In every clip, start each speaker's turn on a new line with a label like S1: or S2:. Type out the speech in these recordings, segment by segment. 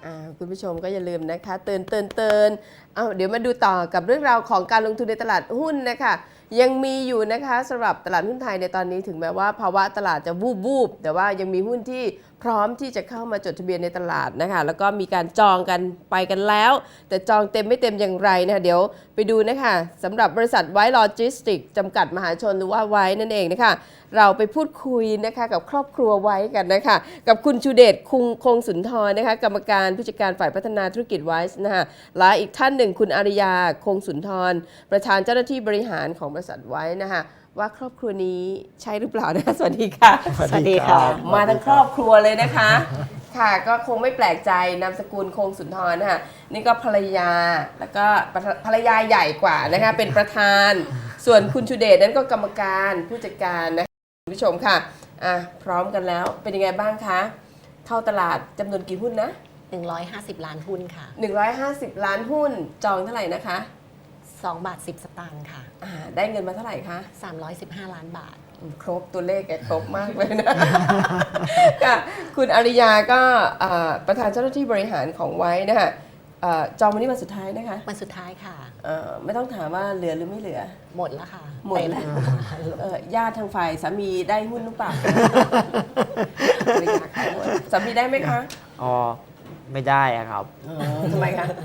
S1: คุณผู้ชมก็อย่าลืมนะคะเตือนเดี๋ยวมาดูต่อกับเรื่องราวของการลงทุนในตลาดหุ้นนะคะยังมีอยู่นะคะสำหรับตลาดหุ้นไทยในตอนนี้ถึงแม้ว่าภาวะตลาดจะวูบแต่ว่ายังมีหุ้นที่พร้อมที่จะเข้ามาจดทะเบียนในตลาดนะคะแล้วก็มีการจองกันไปกันแล้ว แต่จองเต็มไม่เต็มอย่างไรนะคะเดี๋ยวไปดูนะคะสำหรับบริษัทไวท์โลจิสติกจำกัดมหาชนหรือว่าไว้นั่นเองนะคะเราไปพูดคุยนะคะกับครอบครัวไว้กันนะคะกับคุณชูเดชคงสุนทรนะคะกรรมการผู้จัดการฝ่ายพัฒนาธุรกิจไวท์นะคะและอีกท่านหนึ่งคุณอาริยาคงสุนทรประธานเจ้าหน้าที่บริหารของบริษัทไว้นะคะว่าครอบครัวนี้ใช่หรือเปล่านะคะสวัสดีค่ะ
S2: สวัสดีค่ะ
S1: มาทั้งครอบครัวเลยนะคะค่ะก็คงไม่แปลกใจนามสกุลคงสุนทรนะคะนี่ก็ภรรยาแล้วก็ภรรยาใหญ่กว่านะคะเป็นประธานส่วนคุณชูเดชนั้นก็กรรมการผู้จัดการนะคะคุณผู้ชมค่ะพร้อมกันแล้วเป็นยังไงบ้างคะเข้าตลาดจำนวนกี่หุ้นนะ
S2: 150 ล้านหุ้นค่ะ
S1: 150 ล้านหุ้นจองเท่าไหร่นะคะ
S2: 2 บาท 10 สตางค์ค่ะ
S1: ได้เงินมาเท่าไหร่คะ
S2: 315 ล้านบาท
S1: ครบตัวเลขแกครบมากเลยนะ คุณอาริยาก็ประธานเจ้าหน้าที่บริหารของไว้นะคะจองวันนี้วันสุดท้ายนะคะ
S2: วันสุดท้ายค่ะ
S1: ไม่ต้องถามว่าเหลือหรือไม่เหลือ
S2: หมดแล้วค่ะ
S1: หมดแล้วญาติทางฝ่ายสามีได้หุ้นหรือเปล่าสามีได้ไหมคะ
S3: อ๋อไม่ได้อะครับ
S1: ทำไมคะ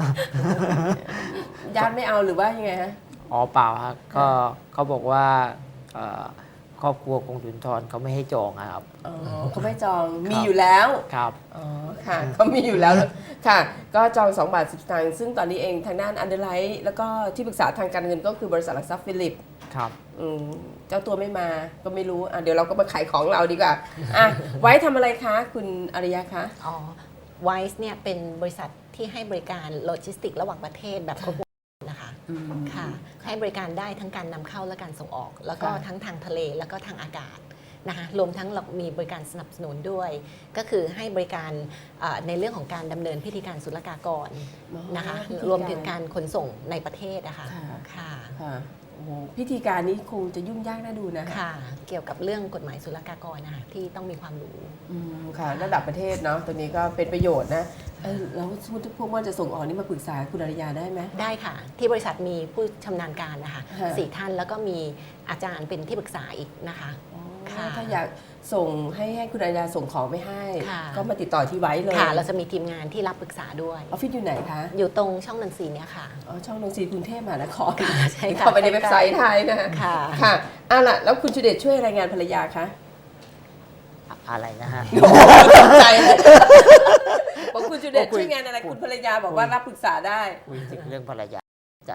S1: ญาติไม่เอาหรือว่ายังไงฮะ
S3: อ๋อเปล่าครับก็เขาบอกว่าครอบครัวคงสุนทรเขาไม่ให้จองครับ
S1: เขาไม่จองมีอยู่แล้ว
S3: ครับ
S1: อ๋อค่ะเขามีอยู่แล้วค่ะก็จอง2 บาท 10 สตางค์ซึ่งตอนนี้เองทางด้านอันเดอร์ไลท์แล้วก็ที่ปรึกษาทางการเงินก็คือบริษัทหลักทรัพย์ฟิลิป
S3: ครับ
S1: เจ้าตัวไม่มาก็ไม่รู้เดี๋ยวเราก็มาขายของเราดีกว่าไว้ทำอะไรคะคุณอาริยะคะ
S2: ไวส์เนี่ยเป็นบริษัทที่ให้บริการโลจิสติกระหว่างประเทศแบบครบวงจรนะคะค่ะให้บริการได้ทั้งการนำเข้าและการส่งออกแล้วก็ทั้งทางทะเลแล้วก็ทางอากาศนะคะรวมทั้งเรามีบริการสนับสนุนด้วยก็คือให้บริการในเรื่องของการดำเนินพิธีการศุลกากรนะคะรวมถึงการขนส่งในประเทศนะคะ
S1: ค่ะพิธีการนี้คงจะยุ่งยากน่าดูนะ
S2: ค่ะเกี่ยวกับเรื่องกฎหมายศุลกากรนะคะที่ต้องมีความรู้
S1: ค่ะระดับประเทศเนาะตัวนี้ก็เป็นประโยชน์นะแล้วพวกว่าจะส่งออกนี่มาปรึกษาคุณอาริยาได้ไหม
S2: ได้ค่ะที่บริษัทมีผู้ชำนาญการนะคะ4 ท่านแล้วก็มีอาจารย์เป็นที่ปรึกษาอีกนะคะ
S1: ถ้าอยากส่งให้คุณอาริยาส่งของไปให้ก็มาติดต่อที่ไว้เลย
S2: ค่ะเราจะมีทีมงานที่รับปรึกษาด้วย
S1: ออฟฟิศอยู่ไหนคะ
S2: อยู่ตรงช่องนนทรีเนี่ยค่ะ
S1: ช่องนนทรีกรุงเทพมหานคร
S2: ใช่ค่ะ
S1: เข้าไปในเว็บไซต์ไทยนะคะค่ะล่ะแล้วคุณชูเดชช่วยรายงานภรรยาคะ
S3: อะไรนะฮะ
S1: ตกใจเลยบอกคุณชูเดชช่วยงานอะไรคุณภรรยาบอกว่ารับปรึกษาได้
S3: คุยถึงเรื่องภรรยาใจ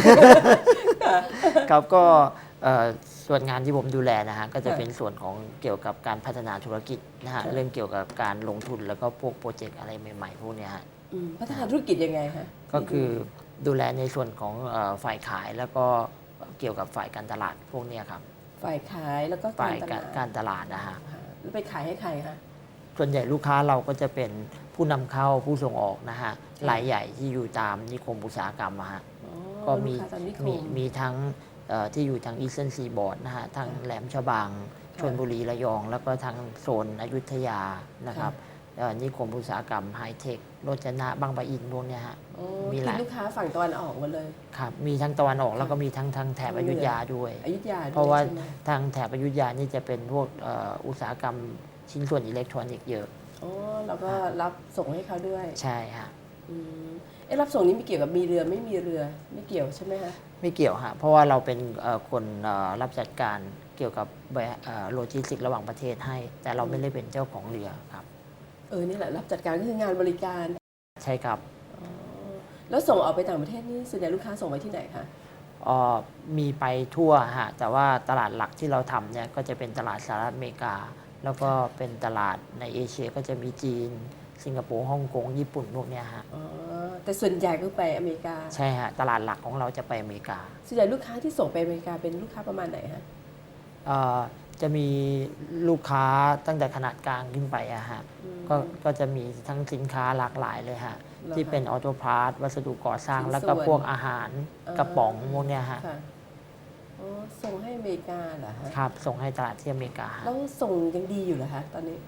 S3: ครับก็ส่วนงานที่ผมดูแลนะฮะก็จะเป็นส่วนของเกี่ยวกับการพัฒนาธุรกิจนะฮะเรื่องเกี่ยวกับการลงทุนแล้วก็พวกโปรเจกต์อะไรใหม่ๆพวกนี้ฮะ
S1: พัฒนาธุรกิจยังไงคะ
S3: ก็คือดูแลในส่วนของฝ่ายขายแล้วก็เกี่ยวกับฝ่ายการตลาดพวกนี้ครับ
S1: ฝ่ายขายแล้วก็
S3: ฝ่ายการตลาดนะฮะ
S1: แล้วไปขายให้ใครคะ
S3: ส่วนใหญ่ลูกค้าเราก็จะเป็นผู้นำเข้าผู้ส่งออกนะฮะรายใหญ่ที่อยู่ตามนิคมอุตสาหกรรมฮะก็มีทั้งที่อยู่ทางอีสเทิร์นซีบอร์ดนะฮะทางแหลมฉบังชลบุรีระยองแล้วก็ทางโซนอยุธยานะครับนิคมอุตสาหกรรมไฮเทคโรจนะบางปะอินพวกนี้ฮะ
S1: มีหลายลูกค้าฝั่งตะวันออกหมดเลย
S3: ครับมีทั้งตะวันออกแล้วก็มีทั้งแถบอยุธยาด้วย
S1: เพ
S3: ราะว่าทางแถบอยุธยานี่จะเป็นพวกอุตสาหกรรมชิ้นส่วนอิเล็กทรอนิกส์เยอะ
S1: แล้วก็รับส่งให้เขาด้วย
S3: ใช่ฮะ
S1: รับส่งนี้ไม่เกี่ยวกับมีเรือไม่มีเรือไม่เกี่ยวใช่ไหมคะ
S3: ไม่เกี่ยวฮะเพราะว่าเราเป็นคนรับจัดการเกี่ยวกับโลจิสติกระหว่างประเทศให้แต่เราไม่ได้เป็นเจ้าของเรือครับ
S1: นี่แหละรับจัดการก็คืองานบริการ
S3: ใช่ครับ
S1: แล้วส่งออกไปต่างประเทศนี่ส่วนใหญ่ลูกค้าส่งไปที่ไหนคะ
S3: มีไปทั่วฮะแต่ว่าตลาดหลักที่เราทำเนี่ยก็จะเป็นตลาดสหรัฐอเมริกาแล้วก็เป็นตลาดในเอเชียก็จะมีจีนสิงคโปร์ฮ่องกงญี่ปุ่นพวกนี้ฮะ
S1: แต่ส่วนใหญ่ก็ไปอเมริกา
S3: ใช่ฮะตลาดหลักของเราจะไปอเมริกา
S1: ส่วนใหญ่ลูกค้าที่ส่งไปอเมริกาเป็นลูกค้าประมาณไหนฮะ
S3: จะมีลูกค้าตั้งแต่ขนาดกลางขึ้นไปอะฮะก็จะมีทั้งสินค้าหลากหลายเลยฮะที่เป็นออโตพาร์ทวัสดุก่อสร้างแล้วก็พวกอาหารกระป๋องพวกนี้ฮะ
S1: ส่งให้อเมริกาเหรอฮะ
S3: ครับส่งให้ตลาดที่อเมริกา
S1: แล้วส่งยังดีอยู่เหรอคะตอนนี้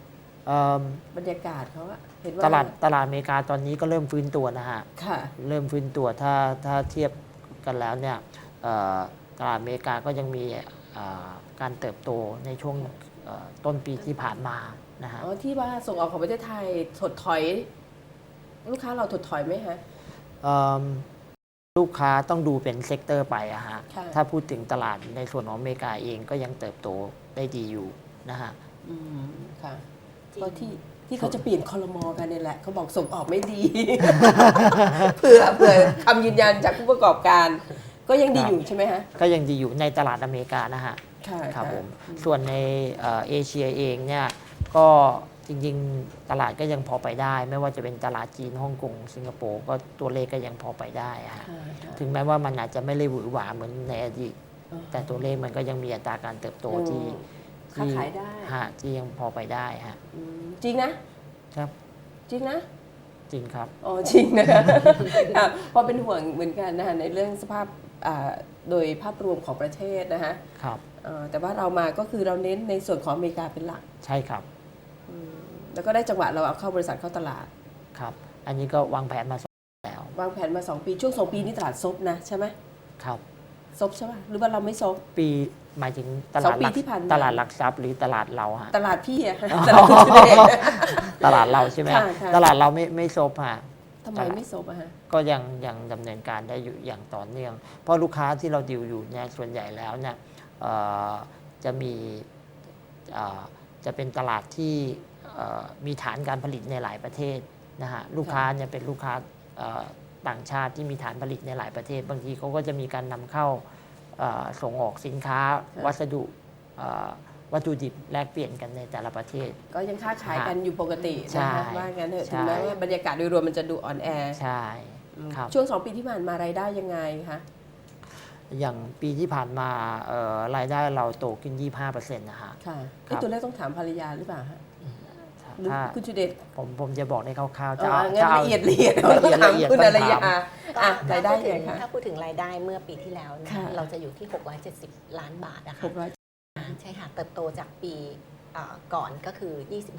S3: เอิ่ม
S1: บรรยากาศเขาอะเห็นว่า
S3: ตลาดอเมริกาตอนนี้ก็เริ่มฟื้นตัวนะฮะ
S1: ค่ะ
S3: เริ่มฟื้นตัวถ้าเทียบกันแล้วเนี่ยตลาดอเมริกาก็ยังมีการเติบโตในช่วงต้นปีที่ผ่านมานะฮะ
S1: อ๋อที่ว่าส่งออกของประเทศไทยถดถอย ลูกค้าเราถดถอยไหมฮะ
S3: เอิ่มลูกค้าต้องดูเป็นเซกเตอร์ไปอะฮะ
S1: ค่ะ
S3: ถ้าพูดถึงตลาดในส่วนของอเมริกาเองก็ยังเติบโตได้ดีอยู่นะฮะ
S1: อืมค่ะ
S2: จริง
S1: ก็ที่เขาจะเปลี่ยนคอรมอกันเนี่ยแหละเขาบอกส่งออกไม่ดี เผื่อคำยืนยันจากผู้ประกอบการ ก็ยังดีอยู่ใช่ไหมฮะ
S3: ก็ยังดีอยู่ในตลาดอเมริกานะฮะ
S1: ค่ะ
S3: ครับ
S1: ะ
S3: ผม ส่วนในเอเชียเองเนี่ยก็จริงๆตลาดก็ยังพอไปได้ ไม่ว่าจะเป็นตลาดจีนฮ่องกงสิงคโปร์ก็ตัวเลขก็ยังพอไปได้ฮะ
S1: ค่ะค่ะ
S3: ถึงแม้ว่ามันอาจจะไม่ได้หวือหวาเหมือนในอดีต
S1: อ๋อ
S3: แต่ตัวเลขมันก็ยังมีอัตราการเติบโตที่
S1: ค้าขายได้
S3: ฮะที่ยังพอไปได้ฮะ
S1: อืมจริงนะ
S3: ครับ
S1: จริงนะ
S3: จริงครับ
S1: อ๋อจริงนะคะ อ่ะเพราะเป็นห่วงเหมือนกันนะคะในเรื่องสภาพโดยภาพรวมของประเทศนะคะ
S3: ครับ
S1: แต่ว่าเรามาก็คือเราเน้นในส่วนของอเมริกาเป็นหลัก
S3: ใช่ครับ
S1: แล้วก็ได้จังหวะเราเอาเข้าบริษัทเข้าตลาด
S3: ครับ อันนี้ก็วางแผนมาแล้ว
S1: วางแผนมา 2 ปีช่วง 2 ปีนี้ตลาดซบนะใช่ไหม
S3: ครับ
S1: ซบใช่ป่ะหรือว่าเราไม่ซบ
S3: ปีหมายถึงต
S1: ส
S3: ลา
S1: อ
S3: ด
S1: งปี
S3: หลัก
S1: ที่ผ่านมา
S3: ตลาดหลักทรัพย์หรือตลาดเราฮะ
S1: ตลาดพี่อะ ตลาดคุณชุเดช
S3: ตลาดเราใช่ไหมฮะ
S1: ค่ะ
S3: ตลาดเราไม่ซบฮะ
S1: ทำไมไม่ซบอะฮะ
S3: ก็ยังดำเนินการได้อยู่อย่างต่อเนื่อง เพราะลูกค้าที่เราดิวอยู่เนี่ยส่วนใหญ่แล้วเนี่ยจะมีจะเป็นตลาดที่มีฐานการผลิตในหลายประเทศนะฮะลูกค้าเนี่ยเป็นลูกค้าต่างชาติที่มีฐานผลิตในหลายประเทศ บางทีเขาก็จะมีการนำเข้าส่งออกสินค้า วัสดุวัตถุดิบแลกเปลี่ยนกันในแต่ละประเทศ
S1: ก็ยังค้าขายกันอยู่ปกติ
S3: ใช่
S1: นะคะว่างั้นเถอะ
S3: ใช่
S1: ถึงแม้ว่าบรรยากาศโดยรวมมันจะดูอ่อนแอ
S3: ใช่ครับ
S1: ช่วง 2 ปีที่ผ่านมารายได้ยังไงคะ
S3: อย่างปีที่ผ่านมารายได้เราโตขึ้น 25%นะฮะ
S1: ค่ะ
S3: ครับ
S1: ตัวเลขต้องถามภรรยาหรือเปล่าฮะหรือ
S3: ถ้า
S1: คุณชุเดช
S3: ผมจะบอกในคร่าวๆ
S1: เอ
S3: จะ
S1: อ
S3: เอา
S1: งั้น
S3: จะเอา
S1: ละเอียดเรา
S3: ละ
S1: ต้อ
S3: เอีย
S1: ง
S3: ด
S1: ถาม
S3: ละเอียด
S1: คุณ
S3: ต้
S1: อ
S3: อง
S1: รยา
S3: ถาม
S1: อ่ะ
S2: ก็
S1: รายได้ยังไงคะ
S2: ถ้าพูดถึงรายได้เมื่อปีที่แล้วนะ
S1: ค่ะ
S2: เราจะอยู่ที่ 670 ล้านบาทนะคะ
S1: 600
S2: ใช่ค่ะ เติบโตจากปีก่อนก็คือ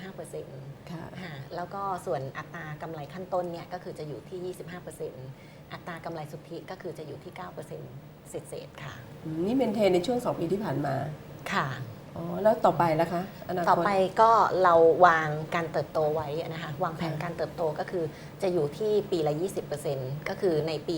S2: 25%
S1: ค่ะ
S2: แล้วก็ส่วนอัตรากำไรขั้นต้นเนี่ยก็คือจะอยู่ที่ 25%อัตรากำไรสุทธิก็คือจะอยู่ที่ 9%เศษๆค่ะ
S1: นี่เมนเทนในช่วง 2 ปีที่ผ่านมา
S2: ค่ะ
S1: อ๋อ แล้วต่อไปล่ะคะอนาคต
S2: ต่อไปก็เราวางการเติบโตไว้นะคะวางแผนการเติบโตก็คือจะอยู่ที่ปีละ 20%ก็คือในปี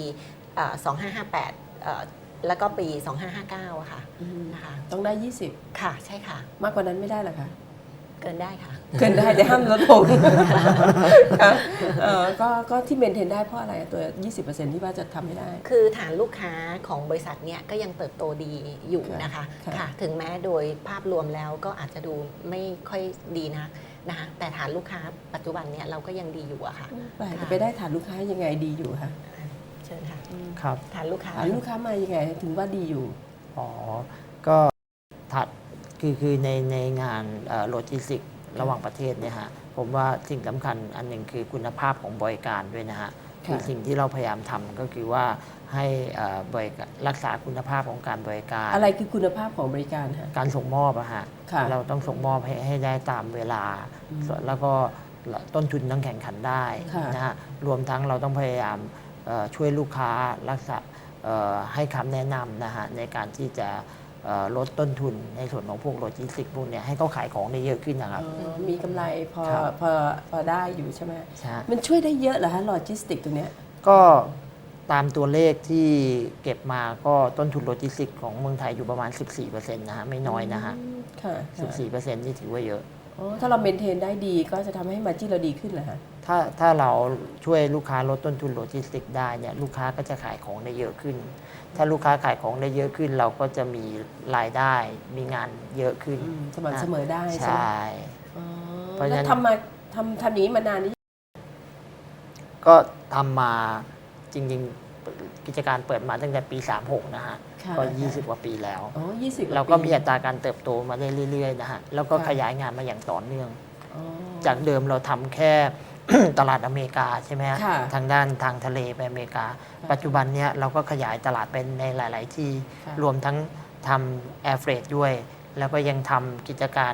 S2: 2558แล้วก็ปี 2559อะค่ะ
S1: อืม
S2: นะคะ
S1: ต้องได้
S2: ค่ะใช่ค่ะ
S1: 20 มากกว่านั้นไม่ได้เหรอคะ
S2: เกินได้ค่ะ
S1: เกินได้แต่ห้ามลดลง ค่ะก็ที่เมนเทนได้เพราะอะไรอะตัว 20%ที่ว่าจะทำให้ได้
S2: คือฐานลูกค้าของบริษัทเนี่ยก็ยังเติบโตดีอยู่นะคะ
S1: ค่ะ
S2: ค่ะ ถึงแม้โดยภาพรวมแล้วก็อาจจะดูไม่ค่อยดีนักนะคะแต่ฐานลูกค้าปัจจุบันเนี่ยเราก็ยังดีอยู่อะค่ะ
S1: แปลกจะไปได้ฐานลูกค้ายังไงดีอยู่คะ
S2: เชิญค่ะ
S3: ครับ
S2: ฐานลูกค้า
S1: ฐานลูกค้ามายังไงถึงว่าดีอยู่
S3: อ๋อ ก็ถัดคือในงานโลจิสติกระหว่างประเทศเนี่ยฮะผมว่าสิ่งสำคัญอันหนึ่งคือคุณภาพของบริการด้วยนะฮะ
S1: ค่ะ
S3: คือสิ่งที่เราพยายามทำก็คือว่าให้บริการรักษาคุณภาพของการบริการ
S1: อะไรคือคุณภาพของบริการฮะ
S3: การส่งมอบอะฮะ
S1: ค่ะ
S3: เราต้องส่งมอบให้ได้ตามเวลา แล้วก็ต้นทุนต้องแข่งขันได้
S1: ค่ะ
S3: นะฮะรวมทั้งเราต้องพยายามช่วยลูกค้ารักษาให้คำแนะนำนะฮะในการที่จะลดต้นทุนในส่วนของพวกโลจิสติกพวกเนี้ยให้เขาขายของได้เยอะขึ้นนะครับ
S1: มีกำไรพอ
S3: ครับ
S1: พอได้อยู่ใช่ไหม
S3: ใช่
S1: มันช่วยได้เยอะเหรอฮะโลจิสติกตรงเนี้ย
S3: ก็ตามตัวเลขที่เก็บมาก็ต้นทุนโลจิสติกของเมืองไทยอยู่ประมาณ 14%นะฮะไม่น้อยนะฮะ
S1: ค่ะค่ะ
S3: 14%นี่ถือว่าเยอะ
S1: อ๋อถ้าเราเมนเทนได้ดีก็จะทำให้มาจิ้นเราดีขึ้นเหรอฮะ
S3: ถ้าเราช่วยลูกค้าลดต้นทุนโลจิสติกได้เนี่ยลูกค้าก็จะขายของได้เยอะขึ้น ถ้าลูกค้าขายของได้เยอะขึ้น เราก็จะมีรายได้มีงานเยอะขึ้น
S1: สม่ำเสมอได้
S3: ใช
S1: ใช่ไหม่ อ๋อ
S3: เพราะฉะนั้
S1: แล้ว
S3: น
S1: ทำอย่างนี้มานานนี้
S3: ก็ทำมาจริงๆกิจการเปิดมาตั้งแต่ปี 36 นะฮะ
S1: ค่ะ
S3: ก็ 20 กว่าปีแล้ว
S1: อ๋อ20
S3: เราก็มีอัตราการเติบโตมาได้เรื่อยๆนะฮะแล้วก็
S1: ค่ะ
S3: ขยายงานมาอย่างต่อเนื่อง
S1: อ๋อ
S3: จากเดิมเราทำแค่ ตลาดอเมริกาใช่ไหมฮะ
S1: ค่ะ
S3: ทางด้านทางทะเลไปอเมริกา
S1: ค่ะ
S3: ปัจจุบันเนี้ยเราก็ขยายตลาดเป็นในหลาย ๆ ที่
S1: ค่ะ
S3: รวมทั้งทำแอร์เฟรดด้วย แล้วก็ยังทำกิจการ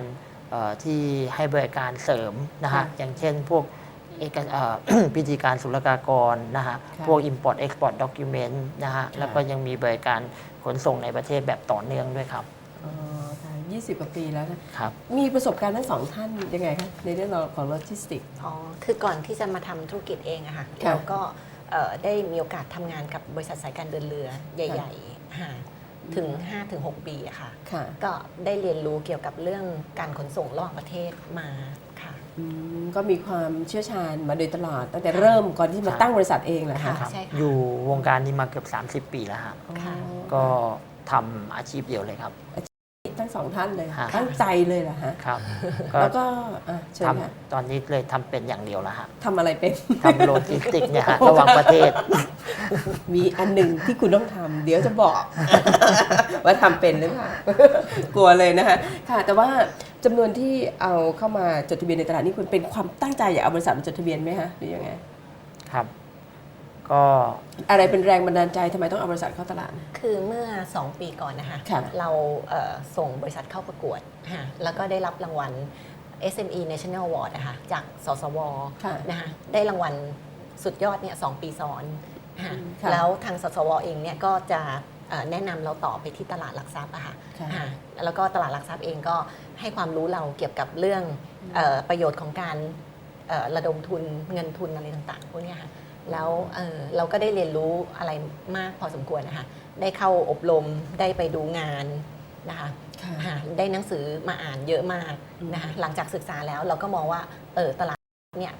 S3: ที่ให้บริการเสริมนะฮะอย่างเช่นพวกพิธีการศุลกากรนะฮะพวก Import Export Document นะฮะแล้วก็ยังมีบริการขนส่งในประเทศแบบต่อเนื่องด้วยครับ
S1: อ๋อค่ะ20 กว่าปีแล้วนะครับมีประสบการณ์ทั้งสองท่านยังไงคะในเรื่องของโลจิสติก
S2: อ๋อคือก่อนที่จะมาทำธุรกิจเองอะค่ะเราก็ได้มีโอกาสทำงานกับบริษัทสายการเดินเรือใหญ่ๆถึง 5-6 ปีอะค่ะก็ได้เรียนรู้เกี่ยวกับเรื่องการขนส่งระหว่างประเทศมาค่ะ
S1: ก็มีความเชี่ยวชาญมาโดยตลอดตั้งแต่เริ่มก่อนที่มาตั้งบริษัทเองเหรอคะ
S2: ใช่ค่ะ
S3: อยู่วงการนี้มาเกือบ30 ปีแล้วฮะก็ทำอาชีพเดียวเลยครับ
S1: ทั้งสองท่านเลยตั้งใจเลยเหรอฮะ
S3: ครับ
S1: แล้วก็เชิญค่ะ
S3: ตอนนี้เลยทำเป็นอย่างเดียวแล้วฮะ
S1: ทำอะไรเป็น
S3: ทำโลจิสติกเนี่ยฮะระหว่างประเทศ
S1: มีอันหนึ่งที่คุณต้องทำเดี๋ยวจะบอกว่าทำเป็นหรือเปล่ากลัวเลยนะคะค่ะแต่ว่าจำนวนที่เอาเข้ามาจดทะเบียนในตลาดนี่คุณเป็นความตั้งใจอยากเอาบริษัทมาจดทะเบียนไหมคะหรือยังไง
S3: ครับก็
S1: อะไรเป็นแรงบันดาลใจทำไมต้องเอาบริษัทเข้าตลาด
S2: คือเมื่อ2 ปีก่อนนะคะเราส่งบริษัทเข้าประกวดแล้วก็ได้รับรางวัล SME National Award นะคะจากสสวนะคะได้รางวัลสุดยอดเนี่ย2 ปีซ้อนแล้วทางสสวเองเนี่ยก็จะแนะนำเราต่อไปที่ตลาดหลักทรัพย์อะค่ะแล้วก็ตลาดหลักทรัพย์เองก็ให้ความรู้เราเกี่ยวกับเรื่องประโยชน์ของการระดมทุนเงินทุนอะไรต่างๆพวกนี้ค่ะแล้วเราก็ได้เรียนรู้อะไรมากพอสมควรนะคะได้เข้าอบรมได้ไปดูงานนะคะได้หนังสือมาอ่านเยอะมากนะคะหลังจากศึกษาแล้วเราก็มองว่าตลาดเนี่ย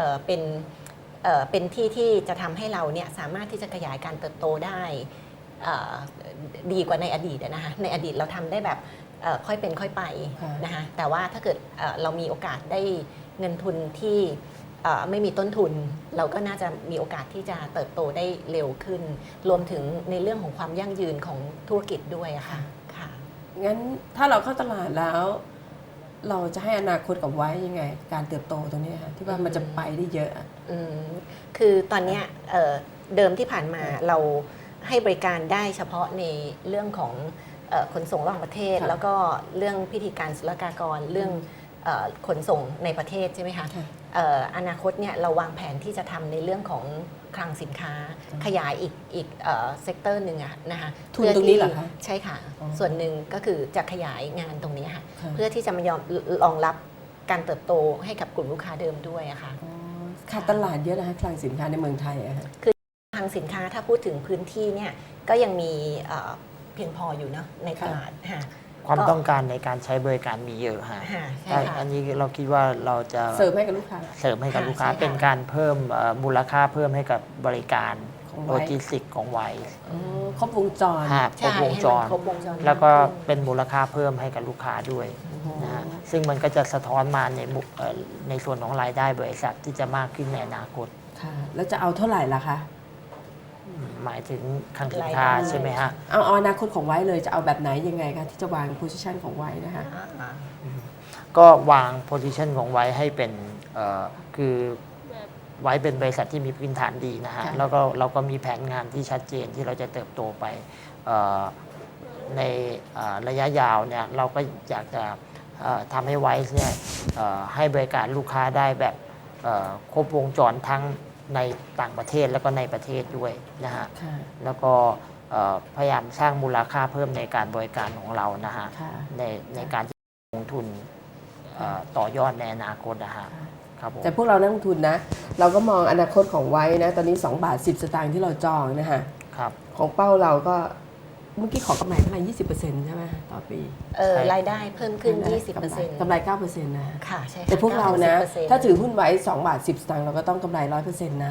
S2: เป็นที่ที่จะทำให้เราเนี่ยสามารถที่จะขยายการเติบโตได้ดีกว่าในอดีตนะคะในอดีตเราทำได้แบบค่อยเป็นค่อยไปนะคะแต่ว่าถ้าเกิดเรามีโอกาสได้เงินทุนที่ไม่มีต้นทุนเราก็น่าจะมีโอกาสที่จะเติบโตได้เร็วขึ้นรวมถึงในเรื่องของความยั่งยืนของธุรกิจด้วยอะค่ะค่ะ
S1: งั้นถ้าเราเข้าตลาดแล้วเราจะให้อนาคตกับไว้ยังไงการเติบโตตรงนี้ค่ะที่ว่ามันจะไปได้เยอะ
S2: คือตอนนี้เดิมที่ผ่านมาเราให้บริการได้เฉพาะในเรื่องของขนส่งระหว่างประเทศแล้วก็เรื่องพิธีการศุลกากรเรื่องขนส่งในประเทศใช่ไหมคะอนาคตเนี่ยเราวางแผนที่จะทำในเรื่องของคลังสินค้าขยายอีกเซกเตอร์หนึ่งนะคะ
S1: ทุนตรงนี้เหรอคะ
S2: ใช่ค่ะส่วนหนึ่งก็คือจะขยายงานตรงนี้ค่ะเพื่อที่จะมายอมรองรับการเติบโตให้กับกลุ่มลูกค้าเดิมด้วยอะค่ะ
S1: ขาดตลาดเยอะนะคะคลังสินค้าในเมืองไทยอะค่ะ
S2: คือคลังสินค้าถ้าพูดถึงพื้นที่เนี่ยก็ยังมีเพียงพออยู่เนาะในตลาดค่ะ
S3: ความต้องการในการใช้บริการมีเยอะฮะอันนี้เราคิดว่าเราจะ
S1: เสริมให้กับลูกค้า
S3: เป็นการเพิ่มมูลค่าเพิ่มให้กับบริการโลจิสติกของไว
S1: ครบวงจร
S3: ครบวงจรแล้วก็เป็นมูลค่าเพิ่มให้กับลูกค้าด้วยนะฮะซึ่งมันก็จะสะท้อนมาในส่วนของรายได้บริษัทที่จะมากขึ้นในอนาคต
S1: ค่ะแล้วจะเอาเท่าไหร่ล่ะคะ
S3: หมายถึงคลังสินค้าใช่ไหมฮะ
S1: เอาอนาคตของไว้เลยจะเอาแบบไหนยังไงคะที่จะวางโพซิชันของไว้นะคะ
S3: ก็วางโพซิชันของไว้ให้เป็นคือไว้เป็นบริษัทที่มีพื้นฐานดีนะฮะแล้วก็เราก็มีแผนงานที่ชัดเจนที่เราจะเติบโตไปในระยะยาวเนี่ยเราก็อยากจะทำให้ไว้เนี่ยให้บริการลูกค้าได้แบบครบวงจรทั้งในต่างประเทศแล้วก็ในประเทศด้วยนะฮะแล้วก็พยายามสร้างมูลค่าเพิ่มในการบริการของเรานะฮะในการลงทุนต่อยอดในอนาคตนะฮะครับ
S1: แต่พวกเรานักลงทุนนะเราก็มองอนาคตของไว้นะตอนนี้2 บาท 10 สตางค์ที่เราจองนะฮะของเป้าเราก็เมื่อกี้ขอกำไรเท่าไหร่ 20% ใช่ไหมต่อปี
S2: รายได้เพิ่มขึ้น 20%
S1: กำไร 9% นะ
S2: ค่ะใช่
S1: แต่พวกเรานะถ้าถือหุ้นไว้2 บาท 10 สตางค์เราก็ต้องกำไร 100% นะ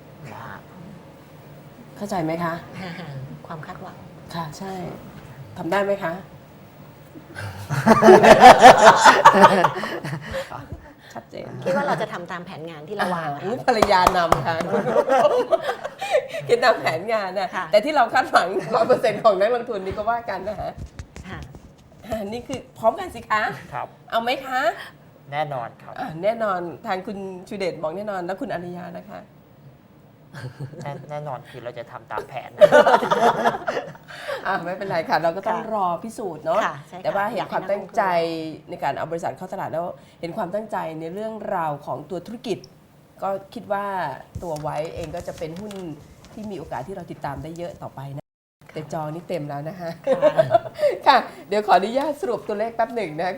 S1: เข้าใจไหมคะ
S2: ความคาดหวัง
S1: ค่ะใช่ทำได้ไหมคะชัดเจน
S2: คิดว่าเราจะทำตามแผนงานที่เราวาง
S1: ภรรยานำค่ะคิดตามแผนงานนะแต่ที่เราคาดหวัง 100% ของนักลงทุนนี่ก็ว่ากันนะฮะนี่คือพร้อมกันสิคะ
S3: ครับ
S1: เอาไหมคะ
S3: แน่นอนครับ
S1: แน่นอนทางคุณชูเดชบอกแน่นอนแล้วคุณอริยานะคะ
S3: แน่นอนคือเราจะทำตามแผน
S1: ไม่เป็นไรค่ะ เราก็ต้อง
S2: ค่ะ
S1: รอพิสูจน์เนาะ
S2: ค่ะใช่ค่ะ
S1: แต่ว่าเห็นความตั้งใจ
S2: อยากให้นักลงทุน
S1: ในการเอาบริษัทเข้าตลาดแล้วเห็นความตั้งใจในเรื่องราวของตัวธุรกิจ ก็คิดว่าตัวไว้เองก็จะเป็นหุ้นที่มีโอกาสที่เราติดตามได้เยอะต่อไปนะแต่จอนี่เต็มแล้วนะคะค่ะ เดี๋ยวขออนุญาตสรุปตัวเลขแป๊บหนึ่งนะ